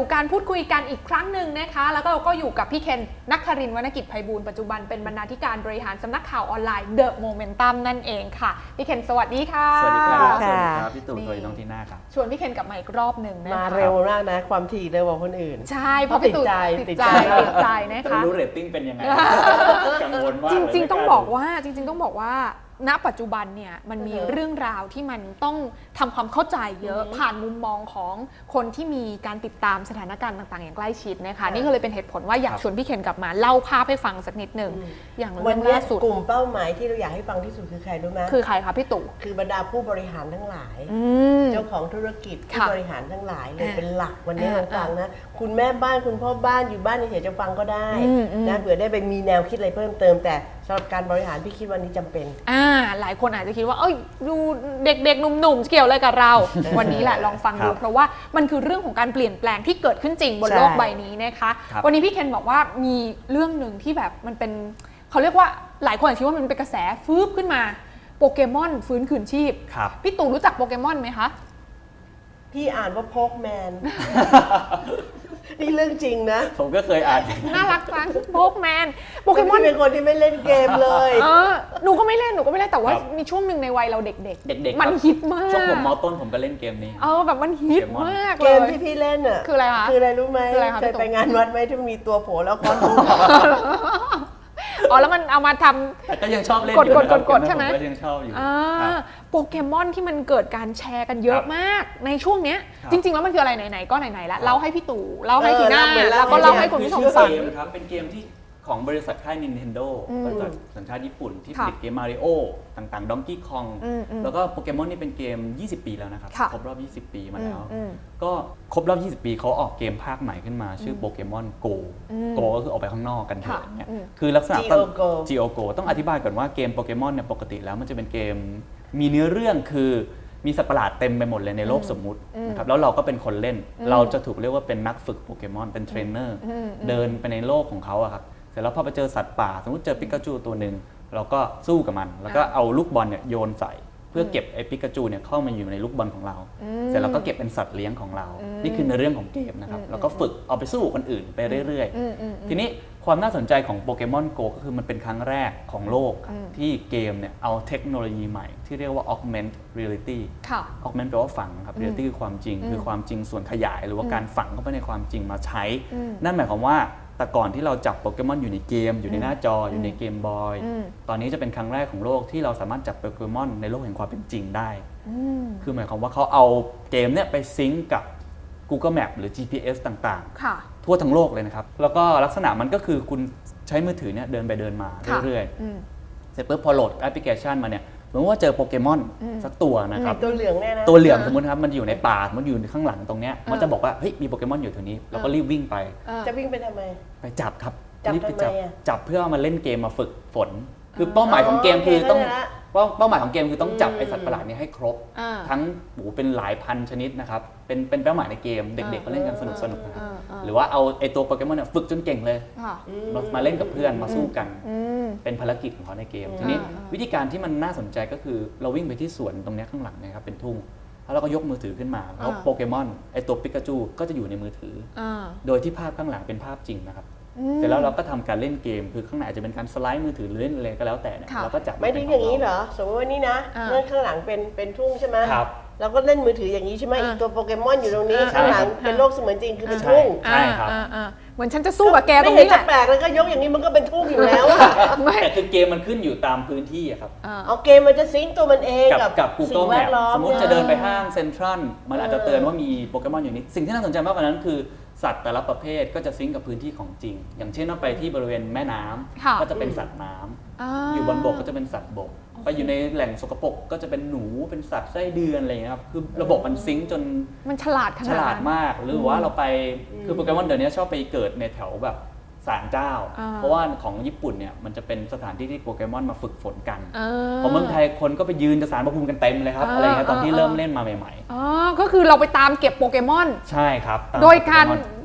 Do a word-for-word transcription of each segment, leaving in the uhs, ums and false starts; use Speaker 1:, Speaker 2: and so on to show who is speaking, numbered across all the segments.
Speaker 1: สู่การพูดคุยกันอีกครั้งหนึ่งนะคะแล้วก็เราก็อยู่กับพี่เคนนักครินทร์วรรณกิจไพบูลย์ปัจจุบันเป็นบรรณาธิการบริหารสำนักข่าวออนไลน์ The Momentum นั่นเองค่ะพี่เคนสวัสดีค่ะ
Speaker 2: สวัสดีครับสวัสดีครับพี่ตู่สวัสดีน้องทีน่าครับ
Speaker 1: ชวนพี่เคนกลับมาอีกรอบหนึ่งนะคะ
Speaker 3: มาเร็วมากนะความถี่เร็วกว่าคนอื่น
Speaker 1: ใช่เพราะพี่ตู่ติดใจติดใจนะคะ
Speaker 2: รู้เรตติ้งเป็นยังไงกังวลมาก
Speaker 1: จริงๆต้องบอกว่าจริงๆต้องบอกว่าณปัจจุบันเนี่ยมันมีเรื่องราวที่มันต้องทำความเข้าใจเยอะผ่านมุมมองของคนที่มีการติดตามสถานการณ์ต่างๆอย่างใกล้ชิดนะคะนี่ก็เลยเป็นเหตุผลว่าอยากชวนพี่เคนกลับมาเล่าภาพให้ฟังสักนิดหนึ่งอย่าง
Speaker 3: วันนี้กลุ่มเป้าหมายที่เราอยากให้ฟังที่สุดคือใครรู้ไหม
Speaker 1: คือใครคะพี่ตู่
Speaker 3: คือบรรดาผู้บริหารทั้งหลายเจ้าของธุรกิจผู้บริหารทั้งหลายเลยเป็นหลักวันนี้ลองฟังนะคุณแม่บ้านคุณพ่อบ้านอยู่บ้านเฉยๆจะฟังก็ได้นะเผื่อได้ไปมีแนวคิดอะไรเพิ่มเติมแต่สำหรับการบริหารพี่คิดวันนี้จำเป็น
Speaker 1: อ่าหลายคนอาจจะคิดว่าเอ้ยดูเด็กๆหนุ่มๆเกี่ยวอะไรกับเรา วันนี้แหละลองฟังดูเพราะว่ามันคือเรื่องของการเปลี่ยนแปลงที่เกิดขึ้นจริงบนโลกใบนี้นะคะวันนี้พี่เคนบอกว่ามีเรื่องหนึ่งที่แบบมันเป็นเขาเรียกว่าหลายคนอาจจะคิดว่ามันเป็นกระแสฟืบขึ้นมาโปเกมอนฟื้นคืนชีพพี่ตู่รู้จักโปเกมอนไหมคะ
Speaker 3: พี่อ่านว่าโพกแมนนี่เรื่องจริงนะ
Speaker 2: ผมก็เคยอ่าน
Speaker 1: น่ารักจังโพกแมนโปเกมอน
Speaker 3: เป็นคนที่ไม่เล่นเกมเลย
Speaker 1: เออหนูก็ไม่เล่นหนูก็ไม่เล่นแต่ว่ามีช่วงหนึ่งในวัยเราเด็กๆ
Speaker 2: เด็ก
Speaker 1: ๆมันฮิตมาก
Speaker 2: ช่วงผมม.ต้นผมก็เล่นเกมนี้
Speaker 1: เออแบบมันฮิตมาก
Speaker 3: เลยเกมที่พี่เล่นอ่ะ
Speaker 1: คืออะไรคะ
Speaker 3: คืออะไรรู้ไหมเคยไปงานวัดไหมที่มีตัวโผล่แล้วก้อนลูก
Speaker 1: อ๋อแล้วมันเอามาท
Speaker 2: ำแต่ก็ยังชอบเล่น
Speaker 1: กดกดกดกดใช่ไหม
Speaker 2: ก็ยังชอบอยู่
Speaker 1: โปเกมอนที่มันเกิดการแชร์กันเยอะมากในช่วงเนี้ยจริงๆแล้วมันคืออะไรไหนๆก็ไหนๆแล้วเล่าให้พี่ตู่เล่าให้ทีน่าแล้วก็เล่าให้คุณผู้ชมฟัง
Speaker 2: ครับเป็นเกมที่ของบริษัทค่าย Nintendo บริษัทสัญชาติญี่ปุ่นที่ผลิตเกม Mario ต่างๆ Donkey Kong แล้วก็โปเกมอนนี่เป็นเกมยี่สิบปีแล้วนะครับครบรอบยี่สิบปีมาแล้วก็ครบรอบยี่สิบปีเขาออกเกมภาคใหม่ขึ้นมาชื่อโปเกมอน Go Go ก็คือออกไปข้างนอกกันเถอะเนี่ยคือลักษณะต้อง Go Go ต้องอธิบายก่อนว่าเกมโปเกมอนเนี่ยปกติแล้วมันจะเป็นเกมมีเนื้อเรื่องคือมีสัตว์ประหลาดเต็มไปหมดเลยในโลกสมมุตินะครับแล้วเราก็เป็นคนเล่นเราจะถูกเรียกว่าเป็นนักฝึกโปเกมอนเป็นเทรนเนอร์เดินไปในโลกของเขาอะครับเสร็จแล้วพอไปเจอสัตว์ป่าสมมติเจอปิกาจูตัวหนึ่งเราก็สู้กับมันแล้วก็เอาลูกบอลเนี่ยโยนใส่เพื่อเก็บไอ้ปิกาจูเนี่ยเข้ามาอยู่ในลูกบอลของเราเสร็จแล้วก็เก็บเป็นสัตว์เลี้ยงของเรานี่คือในเรื่องของเกมนะครับแล้วก็ฝึกเอาไปสู้คนอื่นไปเรื่อยๆทีนี้ความน่าสนใจของโปเกมอนโกก็คือมันเป็นครั้งแรกของโลกที่เกมเนี่ยเอาเทคโนโลยีใหม่ที่เรียกว่า augment reality augment แปลว่าฝังครับ reality คือความจริงคือความจริงส่วนขยายหรือว่าการฝังเข้าไปในความจริงมาใช้นั่นหมายความว่าแต่ก่อนที่เราจับโปเกมอนอยู่ในเกมอยู่ในหน้าจออยู่ในเกมบอยตอนนี้จะเป็นครั้งแรกของโลกที่เราสามารถจับโปเกมอนในโลกแห่งความเป็นจริงได้คือหมายความว่าเขาเอาเกมเนี่ยไปซิงก์กับ Google Map หรือ จี พี เอส ต่างๆทั่วทั้งโลกเลยนะครับแล้วก็ลักษณะมันก็คือคุณใช้มือถือเนี่ยเดินไปเดินมาเรื่อยๆเสร็จปุ๊บพอโหลดแอปพลิเคชันมาเนี่ยเหมือนว่าเจอโปเกมอนสักตัวนะครับ
Speaker 3: ตัวเหลืองแน่นะ
Speaker 2: ตัวเหลืองสมมติครับมันอยู่ในป่ามันอยู่ข้างหลังตรงเนี้ยมันจะบอกว่าเฮ้ยมีโปเกมอนอยู่แถวนี้เราก็รีบวิ่งไป
Speaker 3: จะวิ่งไปทำไม
Speaker 2: ไปจับครับรีบไปจับจับเพื่อมาเล่นเกมมาฝึกฝนคือเป้าหมายของเกมคือต้องเป้าหมายของเกมคือต้องจับไอสัตว์ประหลาดนี้ให้ครบทั้งโอ้เป็นหลายพันชนิดนะครับเป็นเป็นเป้าหมายในเกมเด็กๆก็เล่นกันสนุกสนุกนะครับหรือว่าเอาไอตัวโปเกมอนเนี่ยฝึกจนเก่งเลยมาเล่นกับเพื่อนมาสู้กันเป็นภารกิจของเขาในเกมทีนี้วิธีการที่มันน่าสนใจก็คือเราวิ่งไปที่สวนตรงนี้ข้างหลังนะครับเป็นทุ่งแล้วเราก็ยกมือถือขึ้นมาแล้วโปเกมอนไอตัวปิกาจูก็จะอยู่ในมือถือโดยที่ภาพข้างหลังเป็นภาพจริงนะครับเสร็จแล้วเราก็ทำการเล่นเกมคือข้างในอาจจะเป็นการสไลด์มือถือหรือเล่นอะไรก็แล้วแต่เนี่ยเราก็จับ
Speaker 3: ไม่ถึงอย่างนี้เหรอสมมติว่านี่นะเรื่องข้างหลังเป็นเป็นทุ่งใช่ไหม
Speaker 2: ครับ
Speaker 3: เราก็เล่นมือถืออย่างนี้ใช่ไหมอีกตัวโปเกมอนอยู่ตรงนี้ข้างหลังเป็นโลกเสมือนจริงคือเป็นทุ่ง
Speaker 2: ใช่ครับ
Speaker 1: เหมือนฉันจะสู้กับแกตรงนี้แหละ
Speaker 3: ไม่เห็นจะแปลกแล้วก็ยกอย่างนี้มันก็เป็นทุ่งอยู่แล้ว
Speaker 2: แต่คือเกมมันขึ้นอยู่ตามพื้นที่ครับ
Speaker 3: เอาเกมมันจะซิงค์ตัวมันเองกับ
Speaker 2: กับ Google Map สมมติจะเดินไปห้างเซ็นทรัลมันอาจจะเตือนว่ามีโปเกมอนอยู่นี้สิ่งที่น่าสนใจมากกว่านั้นคือสัตว์แต่ละประเภทก็จะซิงก์กับพื้นที่ของจริงอย่างเช่นว่าไปที่บริเวณแม่น้ำก็จะเป็นสัตว์น้ำอยู่บนบกก็จะเป็นสัตว์บกไปอยู่ในแหล่งสกปรกก็จะเป็นหนูเป็นสัตว์ไส้เดือนอะไรอย่างเงี้ยครับคือระบบมันซิงก์จน
Speaker 1: มันฉลาดขนาด
Speaker 2: ฉลาดมากหรือว่าเราไปคือโปเกมอนเดี๋ยวนี้ชอบไปเกิดในแถวแบบศาลเจ้าเพราะว่าของญี่ปุ่นเนี่ยมันจะเป็นสถานที่ที่โปเกมอนมาฝึกฝนกันพอเมืองไทยคนก็ไปยืนจะศาลพระภูมิกันเต็มเลยครับอะไรเงี้ยตอนที่เริ่มเล่นมาใหม่
Speaker 1: ๆอ๋อก็คือเราไปตามเก็บโปเกมอน
Speaker 2: ใช่ครับ
Speaker 1: โดยการ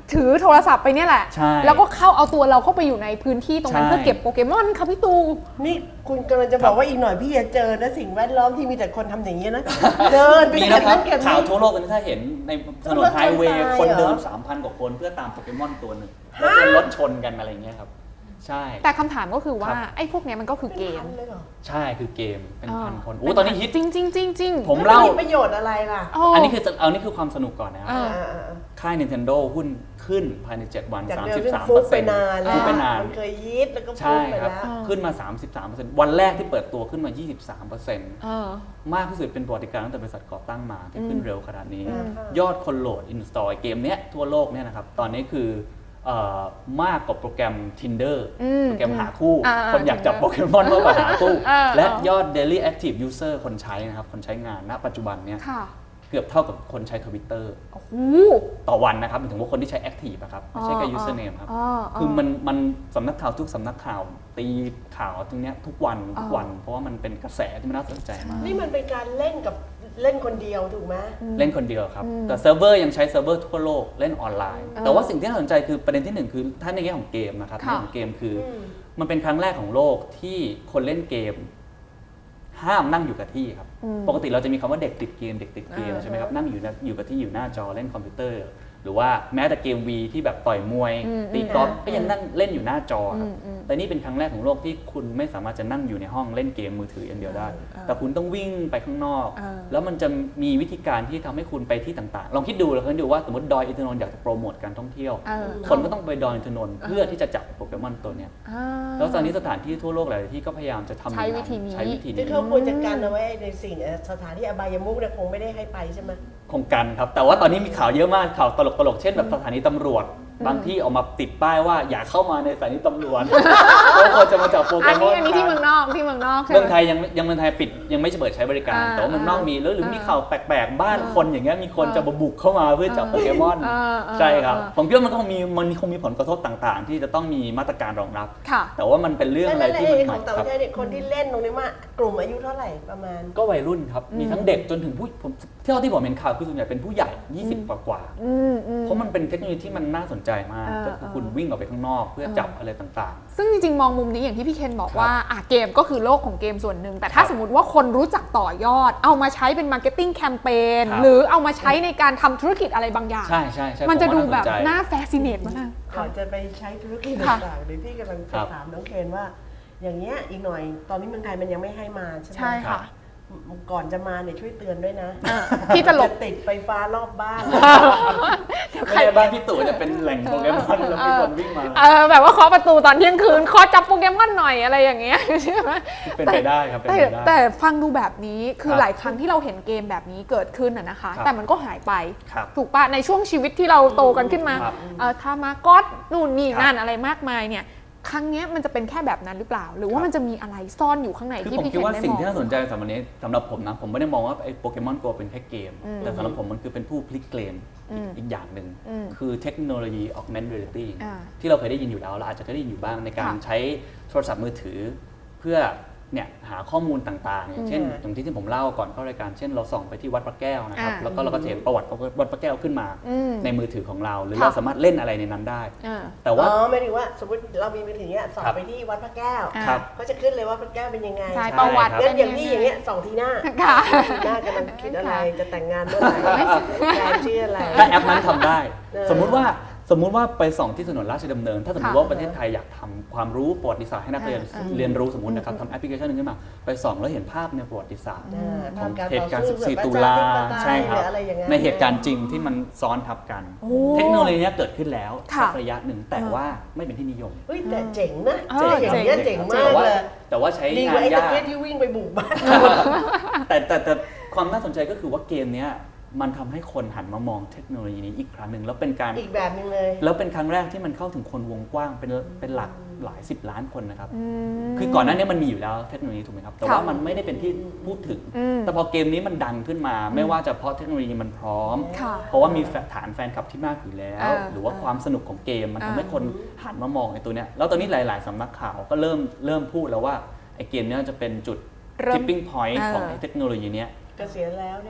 Speaker 1: ถือโทรศัพท์ไปเนี่ยแหละแล้วก็เข้าเอาตัวเราเข้าไปอยู่ในพื้นที่ตรงนั้นเพื่อเก็บโปเกมอนค่ะพี่ตู
Speaker 3: นี่คุณกำลังจะบอกว่าอีกหน่อยพี่จะเจอนะสิ่งแวดล้อมที่มีแต่คนทำอย่างนี้นะเดินไป
Speaker 2: มีนะครับข่าวทั่วโลกกันถ้าเห็นในถนนไฮเวย์คนเดิน สามพัน กว่าคนเพื่อตามโปเกมอนตัวหนึ่งแล้วจนรถชนกันอะไรเงี้ยครับใช่
Speaker 1: แต่คำถามก็คือว่าไอ้พวกนี้มันก็คือเกม
Speaker 2: ใช่คือเกมเป็นพันคนโอ้ตอนนี้ฮิต
Speaker 1: จริงจริงจริงจริง
Speaker 3: ผมเล่าประโยชน์อะไรล่ะ
Speaker 2: อันนี้คือเอานี่คือความสนุกก่อนนะครับค่าย Nintendo หุ้นขึ้นภายในเจ็ดวัน สามสิบสามเปอร์เซ็นต์
Speaker 3: ฟุบไปนานมันเคยฮิตแล้วก็ฟุบไปแล้ว
Speaker 2: ขึ้นมา สามสิบสามเปอร์เซ็นต์ วันแรกที่เปิดตัวขึ้นมา ยี่สิบสามเปอร์เซ็นต์ มากที่สุดเป็นประวัติการตั้งแต่บริษัทก่อตั้งมาที่ขึ้นเร็วขนาดนี้ยอดคนโหลด install เกมเนี้ยทั่วโลกเนี่ยนะครับตอนนี้คือมากกว่าโปรแกรม Tinder โปรแกรมหาคู่คนอยากจับโปเกมอนมากกว่าหาคู่และยอด daily active user คนใช้นะครับคนใช้งานณปัจจุบันเนี่ยเกือบเท่ากับคนใช้ Twitter ต่อวันนะครับหมายถึงว่าคนที่ใช้ active นะครับไม่ใช่แค่ username ครับคือมันมันสำนักข่าวทุกสำนักข่าวตีข่าวตรงนี้ทุกวันทุกวันเพราะว่ามันเป็นกระแสที่มันน่าสนใจมาก
Speaker 3: นี่มันเป็นการเล่นกับเล่นคนเดียวถูกไหม
Speaker 2: เล่นคนเดียวครับแต่เซิร์ฟเวอร์ยังใช้เซิร์ฟเวอร์ทั่วโลกเล่นออนไลน์แต่ว่าสิ่งที่น่าสนใจคือประเด็นที่หนึ่งคือถ้าในแง่ของเกมนะครับในแง่ของเกมคือมันเป็นครั้งแรกของโลกที่คนเล่นเกมห้ามนั่งอยู่กับที่ครับปกติเราจะมีคำว่าเด็กติดเกมเด็กติดเกมใช่ไหมครับนั่งอยู่อยู่กับที่อยู่หน้าจอเล่นคอมพิวเตอร์หรือว่าแม้แต่เกม วี ที่แบบต่อยมวยตีกอล์ฟก็ยังนั่งเล่นอยู่หน้าจอครับแต่นี่เป็นครั้งแรกของโลกที่คุณไม่สามารถจะนั่งอยู่ในห้องเล่นเกมมือถืออย่างเดียวได้แต่คุณต้องวิ่งไปข้างนอกแล้วมันจะมีวิธีการที่ทำให้คุณไปที่ต่างๆลองคิดดูลองคิดดูว่าสมมติดอยอินทนนท์อยากจะโปรโมทการท่องเที่ยวคนก็ต้องไปดอยอินทนนท์เพื่อที่จะจับโปเกมอนตัวนี้แล้วตอนนี้สถานที่ทั่วโลกหลายที่ก็พยายามจะทำ
Speaker 1: ใช้วิธีนี้
Speaker 2: ใช้วิธีนี้
Speaker 3: ที่เขาควรจัดการเอาไว้ในสิ่งสถานที่อบายมุขเนี่ยคงไม่ได้ให้ไปใช่ไหม
Speaker 2: คงกันครับแต่ว่าตอนนี้มีข่าวเยอะมากข่าวตลกๆเช่นแบบสถานีตำรวจบางที่ออกมาติดป้ายว่าอย่าเข้ามาในสถานีตำรวจเพราะคนจะมาจับโปเกมอน
Speaker 1: อันนี้ที่เมืองนอกที่เมืองนอก
Speaker 2: เมืองไทยยังยังเมืองไทยปิดยังไม่เปิดใช้บริการแต่ว่าเมืองนอกมีแล้วหรือมีข่าวแปลกๆบ้านคนอย่างเงี้ยมีคนจะบุกเข้ามาเพื่อจับโปเกมอนใช่ครับผมคิดว่ามันก็มีมันคงมีผลกระทบต่างๆที่จะต้องมีมาตรการรองรับแต่ว่ามันเป็นเรื่องอะไรที่มันใหม่
Speaker 3: ครับคนที่เล่นตรงนี้ว่ากลุ่มอายุเท่าไหร่ประมาณ
Speaker 2: ก็วัยรุ่นครับมีทั้งเด็กจนถึงผู้ผมเท่าที่ผมเห็นข่าวคือส่วนใหญ่เป็นผู้ใหญ่ยี่สิบกว่าๆเพราะมันเป็นเทคโนโลยีที่มันน่าสนใจมากก็คือคุณวิ่งออกไปข้างนอกเพื่อจับอะไรต่าง
Speaker 1: ๆซึ่งจริงๆมองมุมนี้อย่างที่พี่เคนบอกว่าอ่ะเกมก็คือโลกของเกมส่วนหนึ่งแต่ถ้าสมมติว่าคนรู้จักต่อยอดเอามาใช้เป็นมาร์เก็ตติ้งแคมเปญหรือเอามาใช้ในการทำธุรกิจอะไรบางอย่าง
Speaker 2: ใช่ใช่ใช่
Speaker 1: มันจะดูแบบน่าแฟซิเนตมาก
Speaker 3: ก่อนจะไปใช้ธุรกิจต่างๆเดี๋ยวพี่กำลังจะถามน้องเคนว่าอย่างเงี้ยอีกหน่อยตอนนี้เมืองไทยมันยังไม่ให้มาใช่ไหม
Speaker 1: ใช่ค่ะ
Speaker 3: ก่อนจะมาเนี่ยช่วยเตือนด้วยนะ
Speaker 1: ที่จะหลบ
Speaker 3: ติดไฟฟ้ารอบบ้าน
Speaker 2: ไม่ใช่บ้านพี่ตู่จะเป็นแหล่งโปเกมอนแล้วมีคนวิ่งมา
Speaker 1: เออแบบว่าเคาะประตูตอนเที่ยงคืนขอจับโปเกมอนหน่อยอะไรอย่างเงี้ยใช่ไหม
Speaker 2: เป็นไปได้ครับเป็นไปได้
Speaker 1: แต่ฟังดูแบบนี้คือหลายครั้งที่เราเห็นเกมแบบนี้เกิดขึ้นอะนะคะแต่มันก็หายไปถูกปะในช่วงชีวิตที่เราโตกันขึ้นมาเออทามาก็อตนู่นนี่นั่นอะไรมากมายเนี่ยครั้งนี้มันจะเป็นแค่แบบนั้นหรือเปล่าหรือว่ามันจะมีอะไรซ่อนอยู่ข้างในที่พี่เคนได้มอง
Speaker 2: ผมคิดว่าสิ่งที่น่าสนใจสำหรับนี้สำหรับผมนะผมไม่ได้มองว่าไอ้โปเกมอนโกเป็นแค่เกมแต่สำหรับผมมันคือเป็นผู้พลิกเกมอีกอย่างหนึ่งคือเทคโนโลยี augmented reality ที่เราเคยได้ยินอยู่แล้วเราอาจจะเคยได้ยินอยู่บ้างในการใช้โทรศัพท์มือถือเพื่อเนี่ยหาข้อมูลต่างๆอย่างเช่นอย่างที่ที่ผมเล่าก่อนเข้ารายการเช่นเราส่องไปที่วัดพระแก้วนะครับแล้วก็เราก็เห็นประวัติวัดพระแก้วขึ้นมาในมือถือของเราหรือเราสามารถเล่นอะไรในนั้นได้แต่ว่า
Speaker 3: อ๋อไม่ถึงว่าสมมติเรามีมือถือเนี้ยส่องไปที่วัดพระแก้วก็จะขึ้นเลยว่าพระแก้วเป็นยังไง
Speaker 1: ใช่ประวัติ
Speaker 3: งั้นอย่างนี้อย่างเงี้ยส่องทีหน้าหน้ากำลังคิดอะไรจะแต่งงานเมื่อไหร่แฟนชื่ออะไร
Speaker 2: ถ้าแอปนั้นทำได้สมมุติว่าสมมุติว่าไปส่องที่ถนนราชดำเนินถ้าสมมติว่าประเทศไทยอยากทำความรู้ประวัติศาสตร์ให้นักเรียนเรียนรู้สมมตินะครับทำแอปพลิเคชันนึงขึ้นมาไปส่องแล้วเห็นภาพในประวัติศาสตร์ของเหตุการณ์สิบสี่ตุลาใช่ครับในเหตุการณ์จริงที่มันซ้อนทับกันเทคโนโลยีนี้เกิดขึ้นแล้วสักระยะหนึ่งแต่ว่าไม่เป็นที่นิยม
Speaker 3: แต่เจ๋งนะเจ๋งอย่างเงี้ยเจ๋งมากเลย
Speaker 2: แต่ว่าใช้งานยาก
Speaker 3: ที่วิ่งไปบุกบ้าน
Speaker 2: แต่แต่ความน่าสนใจก็คือว่าเกมเนี้ยมันทำให้คนหันมามองเทคโนโลยีนี้อีกครั้งหนึ่งแล้วเป็นการ
Speaker 3: อีกแบบนึงเลย
Speaker 2: แล้วเป็นครั้งแรกที่มันเข้าถึงคนวงกว้างเป็นเป็นหลักหลายสิบล้านคนนะครับคือก่อนหน้านี้มันมีอยู่แล้วเทคโนโลยีถูกไหมครับแต่ว่ามันไม่ได้เป็นที่พูดถึงแต่พอเกมนี้มันดังขึ้นมาไม่ว่าจะเพราะเทคโนโลยีมันพร้อมเพราะว่ามีฐานแฟนคลับที่มากอยู่แล้วหรือว่าความสนุกของเกมมันทำให้คนหันมามองไอ้ตัวเนี้ยแล้วตอนนี้หลายๆสำนักข่าวก็เริ่มเริ่มพูดแล้วว่าไอ้เกมนี้จะเป็นจุด tipping point ของเทคโนโลยีเนี้ย
Speaker 3: เกษียณแล้วเนี่ย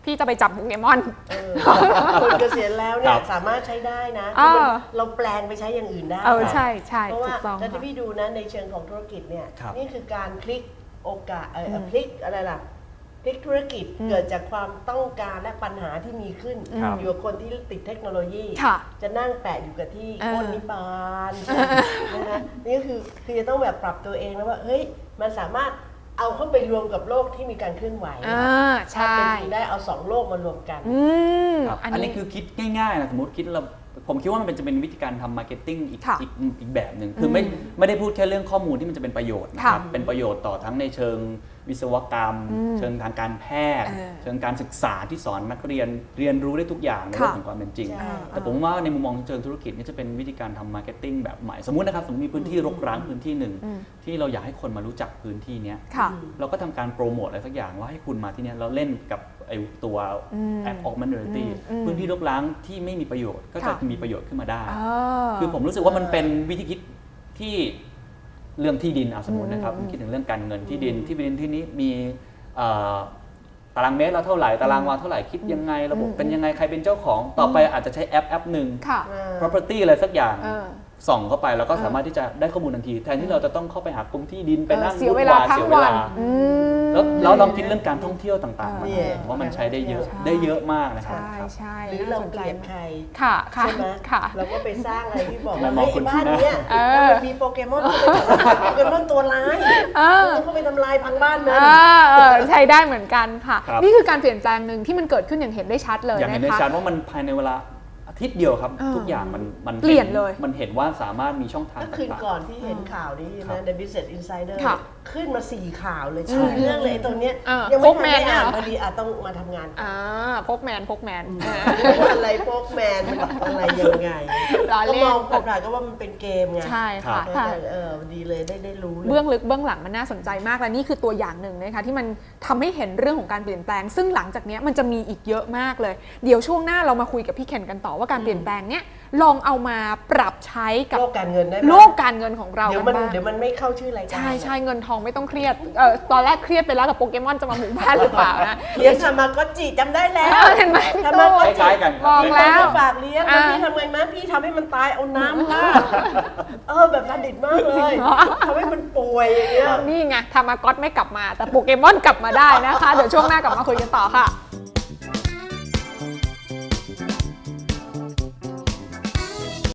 Speaker 1: พี่จะไปจับโปเกมอน
Speaker 3: เออคนเกษียณแล้วเนี่
Speaker 2: ครั
Speaker 3: ย
Speaker 2: บ
Speaker 3: สามารถใช้ได้นะ
Speaker 1: เออ
Speaker 3: คือมันเราแปลงไปใช้อย่างอื่นได้
Speaker 1: เออใช่ใช่
Speaker 3: เพราะ
Speaker 1: ถู
Speaker 3: ว่าก
Speaker 1: ต้อง
Speaker 3: ถ้าที่
Speaker 1: ค่ะ
Speaker 3: พี่ดูนะในเชิงของธุรกิจเนี่ย
Speaker 2: ครับ
Speaker 3: นี่คือการพลิกโอกาสเออ
Speaker 1: อืม
Speaker 3: พลิกอะไรล่ะพลิกธุรกิจ
Speaker 1: อืม
Speaker 3: เกิดจากความต้องการและปัญหาที่มีขึ้น
Speaker 2: ครับ
Speaker 3: อยู่กับคนที่ติดเทคโนโลยี
Speaker 1: ค่ะ
Speaker 3: จะนั่งแปะอยู่กับที่
Speaker 1: เออ
Speaker 3: โค่นนิพพานนะคะนี่ก็คือคือจะต้องแบบปรับตัวเองแล้วว่าเฮ้ยมันสามารถเอาเข้าไปรวมกับโลกที่มีการเคลื่อนไหว
Speaker 1: อ่าใช่
Speaker 3: ถ้าเป็นจริงได้เอาสองโลกมารวมกัน
Speaker 1: อืม
Speaker 2: ครับ
Speaker 1: อัน
Speaker 2: อัน
Speaker 1: นี้
Speaker 2: นี้คือคิดง่ายๆนะสมมติคิดเราผมคิดว่ามันเป็นจะเป็นวิธีการทำมาร์เก็ตติ้งอีก
Speaker 1: ค่ะ
Speaker 2: อีกอีกแบบหนึ่งคือไม่ไม่ได้พูดแค่เรื่องข้อมูลที่มันจะเป็นประโยชน์นะครับ
Speaker 1: ค่ะ
Speaker 2: เป็นประโยชน์ต่อทั้งในเชิงวิศวกรรม
Speaker 1: อืม
Speaker 2: เชิงทางการแพทย์
Speaker 1: เออ
Speaker 2: เชิงการศึกษาที่สอนนักเรียนเรียนรู้ได้ทุกอย่างในโลก
Speaker 1: ค่ะ
Speaker 2: ของความเป็นจริง
Speaker 3: ใช่
Speaker 2: แต่ผมว่าในมุมมองเชิงธุรกิจนี่จะเป็นวิธีการทำมาร์เก็ตติ้งแบบใหม่สมมุตินะครับสมมติมีพื้นที่รกร้างพื้นที่หนึ่ง
Speaker 1: อืม
Speaker 2: ที่เราอยากให้คนมารู้จักพื้นที่เนี้ย
Speaker 1: ค่ะ
Speaker 2: เราก็ทำการโปรโมทอะไรสักอย่างว่าให้คุณมาที่เนี้ยเราเล่นกับไอ้ตัว
Speaker 1: อืม
Speaker 2: แอป augmented reality
Speaker 1: อืมอืม
Speaker 2: พื้นที่รกร้างที่ไม่มีประโยชน์ก็จะ
Speaker 1: ค่ะ
Speaker 2: มีประโยชน์ขึ้นมาได้
Speaker 1: อ่า
Speaker 2: คือผมรู้สึกว่ามันเป็นวิธีคิดที่เรื่องที่ดินเอาสมมตินะครับ
Speaker 1: อืม
Speaker 2: คิดถึงเรื่องการเงินที่ดินที่ดินที่นี้มีเอ่อตารางเมตรละเท่าไหร่ตารางวาเท่าไหร่คิดยังไงระบบเป็นยังไงใครเป็นเจ้าของต่อไปอาจจะใช้แอปแอปหนึ่ง
Speaker 1: ค่ะ
Speaker 2: property อะไรสักอย่าง
Speaker 1: เออ
Speaker 2: ส่องเข้าไปแล้วก็สามารถที่จะได้ข้อมูลทันที แทนที่เราจะต้องเข้าไปหากรมที่ดินไปนั่ง
Speaker 1: เสียเวลา
Speaker 2: วุ่น
Speaker 1: ทั้ง
Speaker 2: เสีย
Speaker 1: วัน
Speaker 2: เา
Speaker 1: อืม
Speaker 2: แล้วเราลองคิดเรื่องการท่องเที่ยวต่างๆ
Speaker 1: เออ
Speaker 2: มา
Speaker 3: เนี่ย
Speaker 2: ผมว่ามันใช้ได้เยอะ
Speaker 1: ใช่
Speaker 2: ได้เยอะมากนะครับ
Speaker 1: ใช่
Speaker 2: ครับ
Speaker 1: ใช่
Speaker 3: หรือเรา
Speaker 1: น่สน
Speaker 3: เก
Speaker 1: ใจ
Speaker 3: ลียด
Speaker 1: มาก
Speaker 3: ใคร
Speaker 1: ค่ะค่ะ
Speaker 3: ใช่ไหม
Speaker 1: ค่ะ
Speaker 3: เราก็ไปสร้างอะไรที่บอก
Speaker 2: ไม่
Speaker 3: ว่าม
Speaker 2: อง
Speaker 3: เฮ้ย
Speaker 2: คน
Speaker 3: บ้าน
Speaker 2: ที่หน้า
Speaker 3: เนี้ย
Speaker 1: เออ
Speaker 3: มันมีโปเกมอนโปเกมอนตัวร้าย
Speaker 1: เออ
Speaker 3: คุณต้องเข้าไปทำลายพังบ้านมัน
Speaker 1: เออเออใช้ได้เหมือนกันค่ะ
Speaker 2: ครับ
Speaker 1: นี่คือการเปลี่ยนแปลงหนึ่งที่มันเกิดขึ้นอย่างเห็นได้ชัดเลย
Speaker 2: อย่างเห็นได้
Speaker 1: นะคะ
Speaker 2: ชัดว่ามันภายในเวลาอาทิตย์เดียวครับ
Speaker 1: เออ
Speaker 2: ทุกอย่างมันมัน
Speaker 1: เปลี่ยนเลย
Speaker 2: มันเห็นว่าสามารถมีช่องทาง
Speaker 3: ก็
Speaker 2: ต่างๆ
Speaker 3: คืนก่อนที่เห็นข่าวนี้
Speaker 2: ครั
Speaker 3: นะ
Speaker 2: บ
Speaker 3: The Business Insider
Speaker 1: ค่ะ
Speaker 3: ขึ้นมาสี่ข่าวเลย
Speaker 2: ใช่
Speaker 3: ชื่อเรื่องเลยไอ้ตัวเนี้ย
Speaker 1: เออ
Speaker 3: ยังไม่
Speaker 1: พก
Speaker 3: ทัน
Speaker 1: แม
Speaker 3: ได้
Speaker 1: นเนี่ย
Speaker 3: อ่าน
Speaker 1: เหรอ
Speaker 3: พอดีอ่ะต้องมาทำงาน
Speaker 1: อ่าพกแมนพกแมน
Speaker 3: ว่าอะไรพวกแมนอะไรยังไง
Speaker 1: ล้อ
Speaker 3: ก็
Speaker 1: เล่
Speaker 3: ม
Speaker 1: น
Speaker 3: องผ่านๆก็ว่ามันเป็นเกมไง
Speaker 1: ใช่ค่ะ
Speaker 3: เอ
Speaker 1: ค่ะ
Speaker 3: อเออดีเลยได้ได้รู้เลย
Speaker 1: เบื้องลึกเบื้องหลังมันน่าสนใจมากและนี่คือตัวอย่างหนึ่งนะคะที่มันทำให้เห็นเรื่องของการเปลี่ยนแปลง ซึ่งหลังจากนี้มันจะมีอีกเยอะมากเลย เดี๋ยวช่วงหน้าเรามาคุยกับพี่เคนกันต่อว่าการเปลี่ยนแปลงเนี้ยลองเอามาปรับใช้กับ
Speaker 3: โลกการเงินได้ไหม
Speaker 1: โลกการเงินของเรา
Speaker 3: เดี๋ย
Speaker 1: กั
Speaker 3: วน มัน
Speaker 1: บ้าง
Speaker 3: เดี๋ยวมันไม่เข้าชื่อรายการ
Speaker 1: ใช่ใช่เงินทองไม่ต้องเครียดเออตอนแรกเครียดไปแล้วกับโปเกมอนจะมาหมู่บ้านหรือเปล่านะ
Speaker 3: เลี้ยงทามาก็จิจำได้แล้ว
Speaker 1: เออเห็นไหม
Speaker 3: ทามาก็
Speaker 2: ค
Speaker 3: จิ
Speaker 2: ล้ายๆกันครับ
Speaker 1: บอกแล้ว
Speaker 3: ฝากเลี้ยงแล้วพี่ทำไงมั้ยพี่ทำให้มันตายเอาน้ำราดเออแบบประดิษฐ์มากเลยทำให้มันป่วยอย่างเงี้ย
Speaker 1: นี่ไงทามากอตไม่กลับมา แต่โปเกมอนกลับมาได้นะคะ เดี๋ยวช่วงหน้ากลับมาคุยกันต่อค่ะ